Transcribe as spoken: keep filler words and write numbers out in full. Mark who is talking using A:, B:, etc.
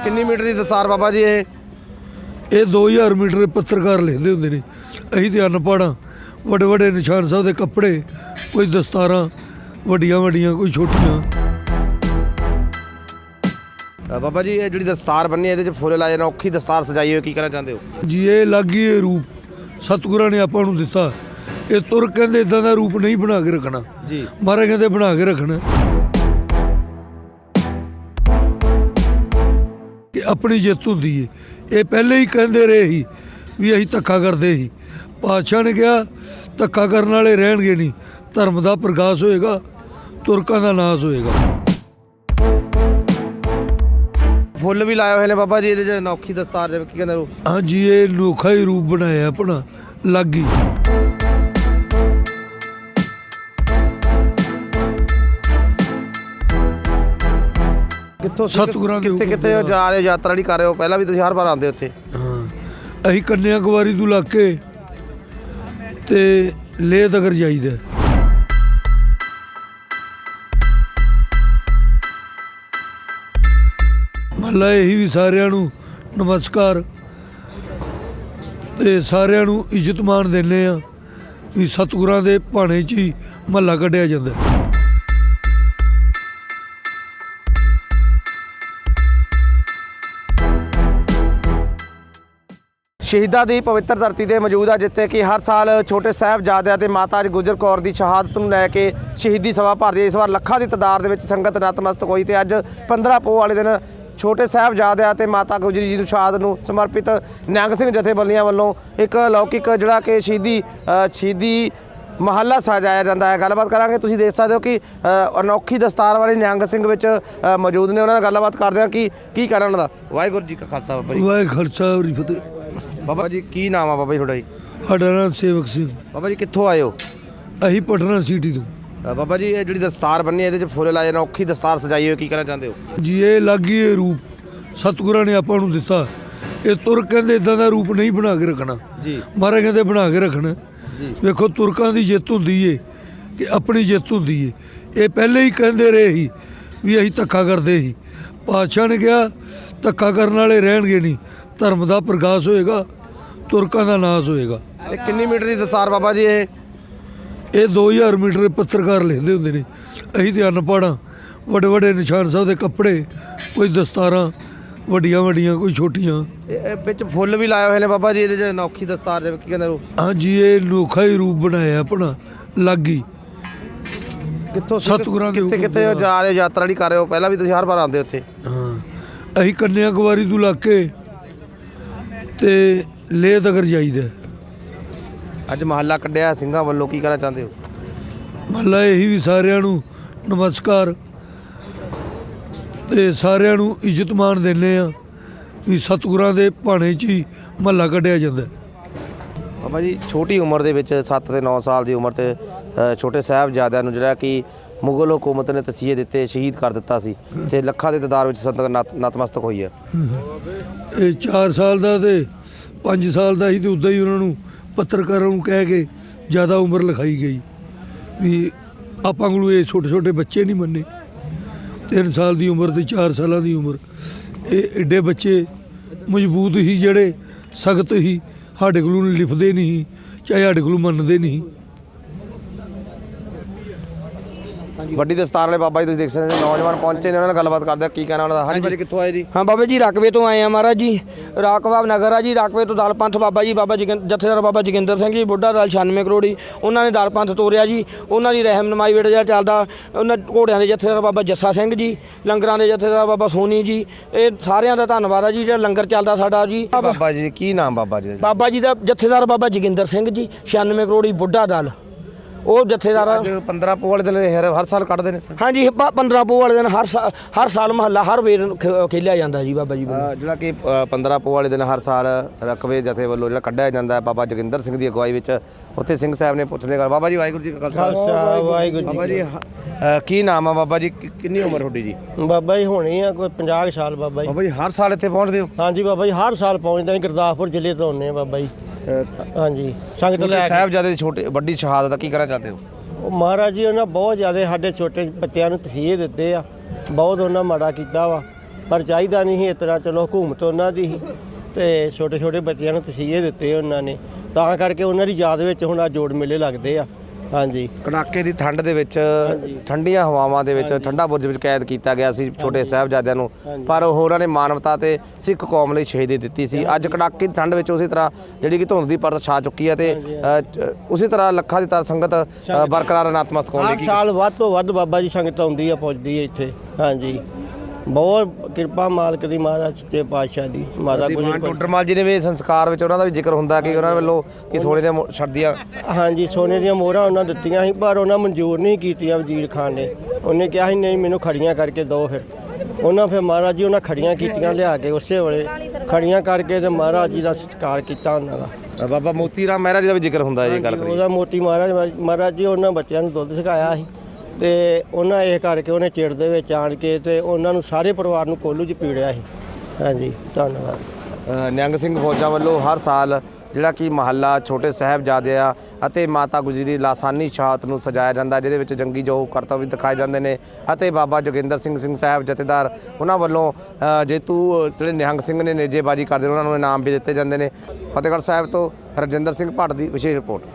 A: ਕਿੰਨੀ ਮੀਟਰ ਦੀ ਦਸਤਾਰ ਬਾਬਾ ਜੀ? ਇਹ
B: ਇਹ दो हज़ार मीटर पत्रकार लेंदे हुंदे ने। असीं ते अनपढ़ हाँ। वड्डे वड्डे निशान साहब दे कपड़े, कोई दस्तारां वड्डियां वड्डियां, कोई छोटियां।
A: बाबा जी ये जिहड़ी दस्तार बन्नी है, फुल लाए ना, औखी दस्तार सजाई हुई, की कहना चाहते हो
B: जी? ये अलग ही रूप सतगुरां ने आपां नूं दिता। ये तुर कहंदे इदां दा रूप नहीं बना के रखना
A: जी,
B: महाराज कहंदे बना के रखना कि अपनी जित हुंदी है। ये पहले ही कहंदे रहे ही भी असीं धक्का करदे ही। पातशाह ने कहा धक्का करन वाले रहणगे नहीं, धर्म दा प्रकाश होएगा, तुरकां दा नाश होएगा।
A: फुल भी लाए हुए ने बाबा जी, ये अनोखी दस्तार की कहते हो?
B: हाँ जी, ये अनोखा ही रूप बनाया अपना अलग ही।
A: कित्थों
B: सतगुरां दे
A: कित्थे कित्थे जा रहे हो, यात्रा नहीं कर रहे हो? पहला भी तुसीं हर बार आंदे उत्थे?
B: हाँ, असीं कन्याकुमारी तो लग के ते लेह तक जाईदा। महला यही भी सारिਆਂ ਨੂੰ नमस्कार ਤੇ ਸਾਰਿਆਂ ਨੂੰ ਇੱਜ਼ਤ ਮਾਣ ਦਿੰਦੇ ਆ ਵੀ ਸਤਿਗੁਰਾਂ ਦੇ ਭਾਣੇ 'ਚ ਹੀ ਮਹੱਲਾ ਕੱਢਿਆ ਜਾਂਦਾ।
A: ਸ਼ਹੀਦਾਂ ਦੀ ਪਵਿੱਤਰ ਧਰਤੀ ਤੇ ਮੌਜੂਦ ਆ, ਜਿੱਥੇ ਕਿ ਹਰ ਸਾਲ ਛੋਟੇ ਸਾਹਿਬਜ਼ਾਦਿਆਂ ਤੇ ਮਾਤਾ ਗੁਜਰ ਕੌਰ ਦੀ ਸ਼ਹਾਦਤ ਨੂੰ ਲੈ ਕੇ ਸ਼ਹੀਦੀ ਸਭਾ ਭਰਦੀ ਹੈ। ਇਸ ਵਾਰ ਲੱਖਾਂ ਦੀ ਤਾਦਾਦ ਦੇ ਵਿੱਚ ਸੰਗਤ ਨਤਮਸਤਕ ਹੋਈ ਤੇ ਅੱਜ ਪੰਦਰਾਂ ਪੋਹ ਵਾਲੇ ਦਿਨ ਛੋਟੇ ਸਾਹਿਬਜ਼ਾਦਿਆਂ ਤੇ ਮਾਤਾ ਗੁਜਰੀ ਜੀ ਨੂੰ ਸ਼ਹਾਦਤ ਨੂੰ ਸਮਰਪਿਤ ਨਿਹੰਗ ਸਿੰਘ ਜਥੇਬੰਦੀਆਂ ਵੱਲੋਂ ਇੱਕ ਲੌਕਿਕ ਜਿਹੜਾ ਕਿ ਸ਼ਹੀਦੀ ਸ਼ਹੀਦੀ ਮਹੱਲਾ ਸਜਾਇਆ ਜਾਂਦਾ ਹੈ। ਗੱਲਬਾਤ ਕਰਾਂਗੇ। ਤੁਸੀਂ ਦੇਖ ਸਕਦੇ ਹੋ ਕਿ ਅਨੋਖੀ ਦਸਤਾਰ ਵਾਲੇ ਨਿਹੰਗ ਸਿੰਘ ਵਿੱਚ ਮੌਜੂਦ ਨੇ, ਉਹਨਾਂ ਨਾਲ ਗੱਲਬਾਤ ਕਰਦੇ ਹਾਂ ਕਿ ਕੀ ਕਹਿਣਾ ਉਹਨਾਂ ਦਾ। ਵਾਹਿਗੁਰੂ ਜੀ ਕਾ ਖਾਲਸਾ ਬਾਬਾ ਜੀ।
B: ਵਾਹਿਗੁਰੂ ਖਾਲਸਾ ਵਾਹਿਗੁਰੂ ਜੀ ਫਤਿਹ।
A: ਬਾਬਾ ਜੀ ਕੀ ਨਾਮ ਆ ਬਾਬਾ ਜੀ ਤੁਹਾਡਾ ਜੀ?
B: ਸਾਡਾ ਨਾਮ ਸੇਵਕ ਸਿੰਘ।
A: ਬਾਬਾ ਜੀ ਕਿੱਥੋਂ ਆਏ ਹੋ?
B: ਅਸੀਂ ਪਟਨਾ ਸਿਟੀ ਤੋਂ।
A: ਬਾਬਾ ਜੀ ਇਹ ਜਿਹੜੀ ਦਸਤਾਰ ਬੰਨੀ ਹੈ, ਇਹਦੇ 'ਚ ਫੁੱਲ ਲਾਏ ਨਾ, ਔਖੀ ਦਸਤਾਰ ਸਜਾਈ ਹੋਈ, ਕੀ ਕਹਿਣਾ ਚਾਹੁੰਦੇ ਹੋ
B: ਜੀ? ਇਹ ਅਲੱਗ ਹੀ ਰੂਪ ਸਤਿਗੁਰਾਂ ਨੇ ਆਪਾਂ ਨੂੰ ਦਿੱਤਾ। ਇਹ ਤੁਰ ਕਹਿੰਦੇ ਇਦਾਂ ਦਾ ਰੂਪ ਨਹੀਂ ਬਣਾ ਕੇ ਰੱਖਣਾ
A: ਜੀ,
B: ਮਹਾਰਾਜ ਕਹਿੰਦੇ ਬਣਾ ਕੇ ਰੱਖਣਾ
A: ਜੀ।
B: ਵੇਖੋ ਤੁਰਕਾਂ ਦੀ ਜਿੱਤ ਹੁੰਦੀ ਏ ਕਿ ਆਪਣੀ ਜਿੱਤ ਹੁੰਦੀ ਏ। ਇਹ ਪਹਿਲੇ ਹੀ ਕਹਿੰਦੇ ਰਹੇ ਹੀ ਵੀ ਅਸੀਂ ਧੱਕਾ ਕਰਦੇ ਸੀ। ਪਾਤਸ਼ਾਹ ਨੇ ਕਿਹਾ ਧੱਕਾ ਕਰਨ ਵਾਲੇ ਰਹਿਣਗੇ ਨਹੀਂ, ਧਰਮ ਦਾ ਪ੍ਰਕਾਸ਼ ਹੋਏਗਾ, ਤੁਰਕਾਂ ਦਾ ਨਾਸ਼ ਹੋਏਗਾ।
A: ਇਹ ਕਿੰਨੀ ਮੀਟਰ ਦੀ ਦਸਤਾਰ ਬਾਬਾ ਜੀ? ਇਹ
B: ਇਹ दो हज़ार मीटर ਪੱਤਰਕਾਰ ਲੈਂਦੇ ਹੁੰਦੇ ਨੇ। ਅਸੀਂ ਤੇ ਅਨਪੜ੍ਹ ਹਾਂ। ਵੱਡੇ ਵੱਡੇ ਨਿਸ਼ਾਨ ਸਾਹਿਬ ਦੇ ਕੱਪੜੇ, ਕੋਈ ਦਸਤਾਰਾਂ ਵੱਡੀਆਂ ਵੱਡੀਆਂ, ਕੋਈ ਛੋਟੀਆਂ।
A: ਇਹ ਵਿੱਚ ਫੁੱਲ ਵੀ ਲਾਏ ਹੋਏ ਨੇ ਬਾਬਾ ਜੀ, ਇਹਦੇ 'ਚ ਅਨੋਖੀ ਦਸਤਾਰ ਜਿਵੇਂ ਕੀ ਕਹਿੰਦੇ ਹੋ?
B: ਹਾਂ ਜੀ, ਇਹ ਅਨੋਖਾ ਹੀ ਰੂਪ ਬਣਾਇਆ ਆਪਣਾ ਅਲੱਗ ਹੀ।
A: ਕਿੱਥੋਂ
B: ਸਤਿਗੁਰਾਂ ਦੇ
A: ਕਿੱਥੇ ਕਿੱਥੇ ਜਾ ਰਹੇ ਹੋ, ਯਾਤਰਾ ਨਹੀਂ ਕਰ ਰਹੇ ਹੋ? ਪਹਿਲਾਂ ਵੀ ਤੁਸੀਂ ਹਰ ਵਾਰ ਆਉਂਦੇ ਉੱਥੇ?
B: ਹਾਂ, ਅਸੀਂ ਕੰਨਿਆਕੁਮਾਰੀ ਤੋਂ ਲੱਗ ਕੇ ਤੇ ਲੇਹ ਤੱਕ ਜਾਈਦਾ।
A: ਅੱਜ ਮਹੱਲਾ ਕੱਢਿਆ ਸਿੰਘਾਂ ਵੱਲੋਂ, ਕੀ ਕਹਿਣਾ ਚਾਹੁੰਦੇ ਹੋ?
B: ਮਹੱਲਾ ਇਹੀ ਵੀ ਸਾਰਿਆਂ ਨੂੰ ਨਮਸਕਾਰ ਤੇ ਸਾਰਿਆਂ ਨੂੰ ਇੱਜ਼ਤ ਮਾਣ ਦਿੰਦੇ ਆ ਵੀ ਸਤਿਗੁਰਾਂ ਦੇ ਭਾਣੇ 'ਚ ਹੀ ਮਹੱਲਾ ਕੱਢਿਆ ਜਾਂਦਾ।
A: ਬਾਬਾ ਜੀ ਛੋਟੀ ਉਮਰ ਦੇ ਵਿੱਚ ਸੱਤ ਤੇ ਨੌ ਸਾਲ ਦੀ ਉਮਰ ਤੇ ਛੋਟੇ ਸਾਹਿਬਜ਼ਾਦਿਆਂ ਨੂੰ ਜਿਹੜਾ ਕਿ ਮੁਗਲ ਹਕੂਮਤ ਨੇ ਤਸੀਹੇ ਦਿੱਤੇ, ਸ਼ਹੀਦ ਕਰ ਦਿੱਤਾ ਸੀ ਤੇ ਲੱਖਾਂ ਦੇ ਤਾਦਾਦ ਵਿੱਚ ਸੰਗਤ ਨਤਮਸਤਕ ਹੋਈ ਹੈ।
B: ਇਹ ਚਾਰ ਸਾਲ ਦਾ ਤੇ ਪੰਜ ਸਾਲ ਦਾ ਸੀ ਤੇ ਉੱਦਾਂ ਹੀ ਉਹਨਾਂ ਨੂੰ ਪੱਤਰਕਾਰਾਂ ਨੂੰ ਕਹਿ ਕੇ ਜ਼ਿਆਦਾ ਉਮਰ ਲਿਖਾਈ ਗਈ ਵੀ ਆਪਾਂ ਕੋਲ ਇਹ ਛੋਟੇ ਛੋਟੇ ਬੱਚੇ ਨਹੀਂ ਮੰਨੇ। ਤਿੰਨ ਸਾਲ ਦੀ ਉਮਰ ਤੇ ਚਾਰ ਸਾਲਾਂ ਦੀ ਉਮਰ, ਇਹ ਐਡੇ ਬੱਚੇ ਮਜ਼ਬੂਤ ਹੀ ਜਿਹੜੇ ਸਖਤ ਹੀ ਸਾਡੇ ਕੋਲੋਂ ਲਿਖਦੇ ਨਹੀਂ, ਚਾਹੇ ਸਾਡੇ ਕੋਲੋਂ ਮੰਨਦੇ ਨਹੀਂ।
A: ਵੱਡੀ ਦਸਤਾਰ ਵਾਲੇ ਬਾਬਾ ਜੀ ਤੁਸੀਂ ਦੇਖ ਸਕਦੇ ਹੋ, ਨੌਜਵਾਨ ਪਹੁੰਚੇ ਨੇ, ਉਹਨਾਂ ਨਾਲ ਗੱਲਬਾਤ ਕਰਦੇ ਕੀ ਕਹਿਣਾ ਉਹਨਾਂ ਦਾ। ਹਾਂਜੀ ਭਾਜੀ ਕਿੱਥੋਂ ਆਏ ਜੀ?
C: ਹਾਂ ਬਾਬਾ ਜੀ ਰਾਕਵੇ ਤੋਂ ਆਏ ਆ ਮਹਾਰਾਜ ਜੀ, ਰਾਕਵਾ ਨਗਰ ਆ ਜੀ। ਰਾਕਵੇ ਤੋਂ ਦਲ ਪੰਥ ਬਾਬਾ ਜੀ, ਬਾਬਾ ਜੀ ਜਥੇਦਾਰ ਬਾਬਾ ਜੋਗਿੰਦਰ ਸਿੰਘ ਜੀ ਬੁੱਢਾ ਦਲ ਛਿਆਨਵੇਂ ਕਰੋੜੀ, ਉਹਨਾਂ ਨੇ ਦਲ ਪੰਥ ਤੋਰਿਆ ਜੀ। ਉਹਨਾਂ ਦੀ ਰਹਿਨਮਾਈ ਵੇਟ ਜਿਹੜਾ ਚੱਲਦਾ, ਉਹਨਾਂ ਘੋੜਿਆਂ ਦੇ ਜਥੇਦਾਰ ਬਾਬਾ ਜੱਸਾ ਸਿੰਘ ਜੀ, ਲੰਗਰਾਂ ਦੇ ਜਥੇਦਾਰ ਬਾਬਾ ਸੋਨੀ ਜੀ, ਇਹ ਸਾਰਿਆਂ ਦਾ ਧੰਨਵਾਦ ਆ ਜੀ ਜਿਹੜਾ ਲੰਗਰ ਚੱਲਦਾ ਸਾਡਾ ਜੀ।
A: ਬਾਬਾ ਜੀ ਕੀ ਨਾਮ ਬਾਬਾ ਜੀ ਦਾ?
C: ਬਾਬਾ ਜੀ ਦਾ ਜਥੇਦਾਰ ਬਾਬਾ ਜੋਗਿੰਦਰ ਸਿੰਘ ਜੀ, ਛਿਆਨਵੇਂ ਕਰੋੜੀ ਬੁੱਢਾ ਦਲ, ਉਹ ਜਥੇਦਾਰ।
A: ਅੱਜ ਪੰਦਰਾਂ ਪੋਹ ਵਾਲੇ ਦਿਨ ਹਰ ਹਰ ਸਾਲ ਕੱਢਦੇ ਨੇ?
C: ਹਾਂਜੀ, ਪੰਦਰਾਂ ਪੋਹ ਵਾਲੇ ਦਿਨ ਹਰ ਸਾਲ ਹਰ ਸਾਲ ਮਹੱਲਾ ਹਰ ਵੇਰ ਖੇਲਿਆ ਜਾਂਦਾ ਜੀ ਬਾਬਾ ਜੀ ਵੱਲੋਂ।
A: ਜਿਹੜਾ ਕਿ ਪੰਦਰਾਂ ਪੋਹ ਵਾਲੇ ਦਿਨ ਹਰ ਸਾਲ ਰਕਵੇ ਜਥੇ ਵੱਲੋਂ ਜਿਹੜਾ ਕੱਢਿਆ ਜਾਂਦਾ ਬਾਬਾ ਜੋਗਿੰਦਰ ਸਿੰਘ ਦੀ ਅਗਵਾਈ ਵਿੱਚ, ਉੱਥੇ ਸਿੰਘ ਸਾਹਿਬ ਨੇ ਪੁੱਛਦੇ ਗੱਲ। ਬਾਬਾ ਜੀ ਵਾਹਿਗੁਰੂ ਜੀ ਕਾ ਖਾਲਸਾ
C: ਵਾਹਿਗੁਰੂ ਜੀ।
A: ਬਾਬਾ ਜੀ ਕੀ ਨਾਮ ਆ ਬਾਬਾ ਜੀ, ਕਿੰਨੀ ਉਮਰ ਤੁਹਾਡੀ ਜੀ?
D: ਬਾਬਾ ਜੀ ਹੋਣੀ ਆ ਕੋਈ ਪੰਜਾਹ ਸਾਲ ਬਾਬਾ ਜੀ।
A: ਬਾਬਾ ਜੀ ਹਰ ਸਾਲ ਇੱਥੇ ਪਹੁੰਚਦੇ ਹੋ?
D: ਹਾਂਜੀ ਬਾਬਾ ਜੀ ਹਰ ਸਾਲ ਪਹੁੰਚਦੇ ਹਾਂ, ਗੁਰਦਾਸਪੁਰ ਜ਼ਿਲ੍ਹੇ ਤੋਂ ਆਉਂਦੇ ਆ ਬਾਬਾ ਜੀ। ਹਾਂਜੀ ਸੰਗਤ ਲੈ ਕੇ।
A: ਸਾਹਿਬਜ਼ਾਦੇ ਦੀ ਛੋਟੀ ਵੱਡੀ ਸ਼ਹਾਦਤ ਦਾ ਕੀ ਕਹਿਣਾ ਚਾਹते ਹੋ?
D: ਉਹ ਮਹਾਰਾਜ ਜੀ ਉਹਨਾਂ ਬਹੁਤ ਜ਼ਿਆਦਾ ਸਾਡੇ ਛੋਟੇ ਬੱਚਿਆਂ ਨੂੰ ਤਸੀਹੇ ਦਿੱਤੇ ਆ, ਬਹੁਤ ਉਹਨਾਂ ਮਾੜਾ ਕੀਤਾ ਵਾ। ਪਰ ਚਾਹੀਦਾ ਨਹੀਂ ਸੀ ਇਸ ਤਰ੍ਹਾਂ। ਚਲੋ ਹਕੂਮਤ ਉਹਨਾਂ ਦੀ ਸੀ ਤੇ ਛੋਟੇ ਛੋਟੇ ਬੱਚਿਆਂ ਨੂੰ ਤਸੀਹੇ ਦਿੱਤੇ ਉਹਨਾਂ ਨੇ, ਤਾਂ ਕਰਕੇ ਉਹਨਾਂ ਦੀ ਯਾਦ ਵਿੱਚ ਹੁਣ ਆ ਜੋੜ ਮੇਲੇ ਲੱਗਦੇ ਆ। ਹਾਂਜੀ,
A: ਕੜਾਕੇ ਦੀ ਠੰਡ ਦੇ ਵਿੱਚ ਠੰਡੀਆਂ ਹਵਾਵਾਂ ਦੇ ਵਿੱਚ ਠੰਡਾ ਬੁਰਜ ਵਿੱਚ ਕੈਦ ਕੀਤਾ ਗਿਆ ਸੀ ਛੋਟੇ ਸਾਹਿਬਜ਼ਾਦਿਆਂ ਨੂੰ, ਪਰ ਉਹ ਉਹਨਾਂ ਨੇ ਮਾਨਵਤਾ ਤੇ ਸਿੱਖ ਕੌਮ ਲਈ ਸ਼ਹੀਦੀ ਦਿੱਤੀ ਸੀ। ਅੱਜ ਕੜਾਕੇ ਦੀ ਠੰਡ ਵਿੱਚ ਉਸੇ ਤਰ੍ਹਾਂ ਜਿਹੜੀ ਕਿ ਧੁੰਦ ਦੀ ਪਰਤ ਛਾ ਚੁੱਕੀ ਹੈ ਤੇ ਅ, ਚ- ਉਸੇ ਤਰ੍ਹਾਂ ਲੱਖਾਂ ਦੀ ਤਰ ਸੰਗਤ ਅ, ਬਰਕਰਾਰ ਨਤਮਸਤਕ ਹੋਣ
D: ਹਰ
A: ਲਈ
D: ਸਾਲ ਵੱਧ ਤੋਂ ਵੱਧ ਬਾਬਾ ਜੀ ਸੰਗਤ ਆਉਂਦੀ ਆ, ਪਹੁੰਚਦੀ ਹੈ ਇੱਥੇ। ਹਾਂਜੀ, ਬਹੁਤ ਕਿਰਪਾ ਮਾਲਕ ਦੀ, ਮਹਾਰਾਜ ਸੱਚੇ ਪਾਤਸ਼ਾਹ ਦੀ। ਮਾਤਾ
A: ਦੀਵਾਨ
D: ਗੁਜਰ
A: ਟੋਡਰਮਲ ਜੀ ਨੇ ਵੀ ਸੰਸਕਾਰ ਵਿੱਚ ਉਹਨਾਂ ਦਾ ਵੀ ਜ਼ਿਕਰ ਹੁੰਦਾ ਕਿ ਉਹਨਾਂ ਵੱਲੋਂ ਕਿ ਸੋਨੇ ਦੇ ਛੱਡਦੀਆਂ
D: ਹਾਂਜੀ, ਸੋਨੇ ਦੀਆਂ ਮੋਹਰਾਂ ਉਹਨਾਂ ਦਿੱਤੀਆਂ ਸੀ, ਪਰ ਉਹਨਾਂ ਮਨਜ਼ੂਰ ਨਹੀਂ ਕੀਤੀਆਂ ਵਜ਼ੀਰ ਖਾਨ ਨੇ। ਉਹਨੇ ਕਿਹਾ ਸੀ ਨਹੀਂ ਮੈਨੂੰ ਖੜੀਆਂ ਕਰਕੇ ਦਿਓ। ਫਿਰ ਉਹਨਾਂ ਫਿਰ ਮਹਾਰਾਜ ਜੀ ਉਹਨਾਂ ਖੜੀਆਂ ਕੀਤੀਆਂ ਲਿਆ ਕੇ, ਉਸੇ ਵੇਲੇ ਖੜੀਆਂ ਕਰਕੇ ਤੇ ਮਹਾਰਾਜ ਜੀ ਦਾ ਸਤਿਕਾਰ ਕੀਤਾ ਉਹਨਾਂ ਦਾ।
A: ਬਾਬਾ ਮੋਤੀ ਰਾਮ ਮਹਿਰਾ ਜੀ ਦਾ ਵੀ ਜ਼ਿਕਰ ਹੁੰਦਾ ਹੈ ਜੀ ਗੱਲ ਕਰੀਏ।
D: ਉਹਦਾ ਮੋਤੀ ਮਹਾਰਾਜ ਮਹਾਰਾਜ ਜੀ ਉਹਨਾਂ ਬੱਚਿਆਂ ਨੂੰ ਦੁੱਧ ਸਿਖਾਇਆ ਸੀ ਤੇ ਉਹਨਾਂ ਇਹ ਕਰਕੇ ਉਹਨੇ ਚਿੜ ਦੇ ਵਿੱਚ ਆਣ ਕੇ ਤੇ ਉਹਨਾਂ ਨੂੰ ਸਾਰੇ ਪਰਿਵਾਰ ਨੂੰ ਕੋਲੂ 'ਚ ਪੀੜਿਆ ਸੀ। ਹਾਂਜੀ, ਧੰਨਵਾਦ।
A: ਅ, ਨਿਹੰਗ ਸਿੰਘ ਫੌਜਾਂ ਵੱਲੋਂ ਹਰ ਸਾਲ ਜਿਹੜਾ ਕਿ ਮਹੱਲਾ ਛੋਟੇ ਸਾਹਿਬਜ਼ਾਦਿਆਂ ਅਤੇ ਮਾਤਾ ਗੁਜਰੀ ਦੀ ਲਾਸਾਨੀ ਸ਼ਹਾਦਤ ਨੂੰ ਸਜਾਇਆ ਜਾਂਦਾ, ਜਿਹਦੇ ਵਿੱਚ ਜੰਗੀ ਜੋ ਕਰਤੱਵ ਵੀ ਦਿਖਾਏ ਜਾਂਦੇ ਨੇ ਅਤੇ ਬਾਬਾ ਜੋਗਿੰਦਰ ਸਿੰਘ ਸਿੰਘ ਸਾਹਿਬ ਜਥੇਦਾਰ ਉਹਨਾਂ ਵੱਲੋਂ ਅ, ਜੇਤੂ ਜਿਹੜੇ ਨਿਹੰਗ ਸਿੰਘ ਨੇ ਨੇਜੇਬਾਜ਼ੀ ਕਰਦੇ ਨੇ ਉਹਨਾਂ ਨੂੰ ਇਨਾਮ ਵੀ ਦਿੱਤੇ ਜਾਂਦੇ ਨੇ। ਫਤਿਹਗੜ੍ਹ ਸਾਹਿਬ ਤੋਂ ਹਰਜਿੰਦਰ ਸਿੰਘ ਭੱਟ ਦੀ ਵਿਸ਼ੇਸ਼ ਰਿਪੋਰਟ।